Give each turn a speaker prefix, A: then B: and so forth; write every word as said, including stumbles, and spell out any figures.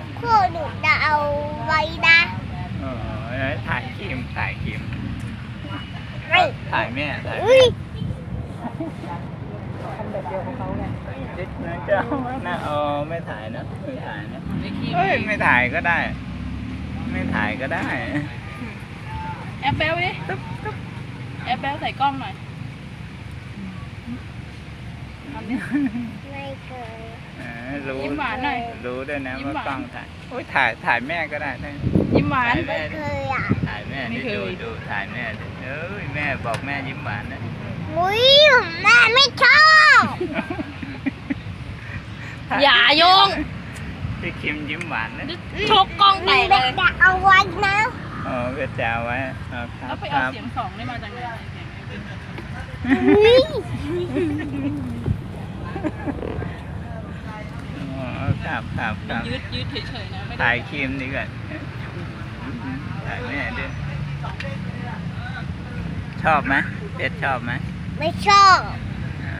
A: คู่หนูจะเอาไว้นะ
B: เออถ่ายครีมถ่ายครีม
A: ไม่
B: ถ่ายแม่ถ่าย
A: อุ้ย
C: ทำแบบเดียวกับเขาไง
B: จิ๊กนะเจ้านะเออไม่ถ่ายนะไม่ถ่ายนะเอ้ยไม่ถ่ายก็ได้ ไม่ถ่ายก็ได้
C: แอปเปิลดิแอปเปิลใส่กล้องหน่อยทำดิ
A: ไม่เคย
B: เออรู้
C: ยิ้มหวานหน่อย
B: รู้ด้วยนะ
C: ยิ้ม
B: ว่า
C: หวาน
B: กล้องถ่ายโอ้ยถ่ายถ่ายแม่ก็ได้นะ
C: ยิ้มหวาน
B: ถ่ายแม่
A: ไม่
B: ดิ
A: เคยอ่ะ
B: ถ่ายแม่
C: ไม่
B: ดิ
C: เคย
B: ดูดูถ่ายแม่ดิเอ้ยแม่บอกแม่ยิ้มหวานนะ
A: อุ้ยแม่ไม่ชอบ
C: อย่าโยง
B: พี่คิมยิ้มหวานนะ
C: ชกกล้องแตกเลย
A: จะเอาไว้นะ
B: อ๋อก็จะเอาไว้เอาครั
C: แล้
B: บ
C: วไป
B: ค
C: เอา
B: รับ
C: เสียงสองได้มาจากไหน
A: อุ้ย
B: อ๋อครับครับครับ
C: ยืดยืดเฉยๆนะไม่ได้
B: ถ่ายครีมดีกว่าถ่ายแม่ด้วยชอบไหมเพชรชอบไหม
A: ไม่ชอบ
B: อ